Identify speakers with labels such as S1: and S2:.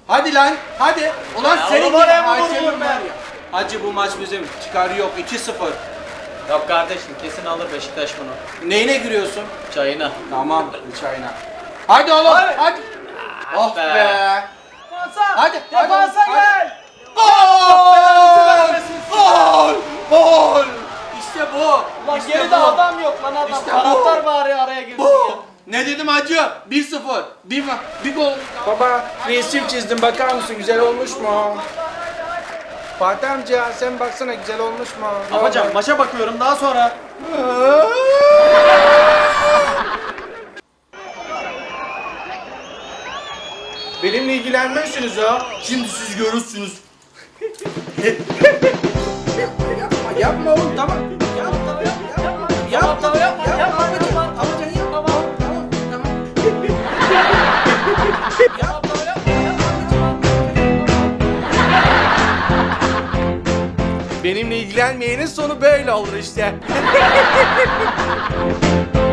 S1: Hadi lan hadi. Ulan
S2: Ya
S1: senin
S2: oğlum,
S1: gibi
S2: oraya mı
S1: Hacı'nın
S2: vururum
S1: var
S2: ben?
S1: ya. Hacı bu maç bizim. Çıkarı yok 2-0.
S2: Yok kardeşim, kesin alır Beşiktaş bunu.
S1: Neyine giriyorsun?
S2: Çayına.
S1: Tamam çayına. Hadi oğlum hadi. Oh
S2: be.
S1: be. Hadi.
S2: Defansa
S1: hadi.
S2: gel.
S1: Gol! Gol! Gol! İşte bu.
S2: Lan
S1: İşte
S2: geride
S1: bu.
S2: adam yok lan, adam.
S1: İşte
S2: Taraftar
S1: bu.
S2: bari araya girsin ya.
S1: Bu. Ne dedim hacı? 1-0. Bir gol. Baba resim çizdim bakar mısın güzel olmuş mu? Fatih amca sen baksana güzel olmuş mu?
S2: Afacan, maça bakıyorum daha sonra.
S1: Benimle ilgilenmezsiniz ha. Şimdi siz görürsünüz. yapma oğlum tamam. Yapma Benimle ilgilenmeyenin sonu böyle olur işte.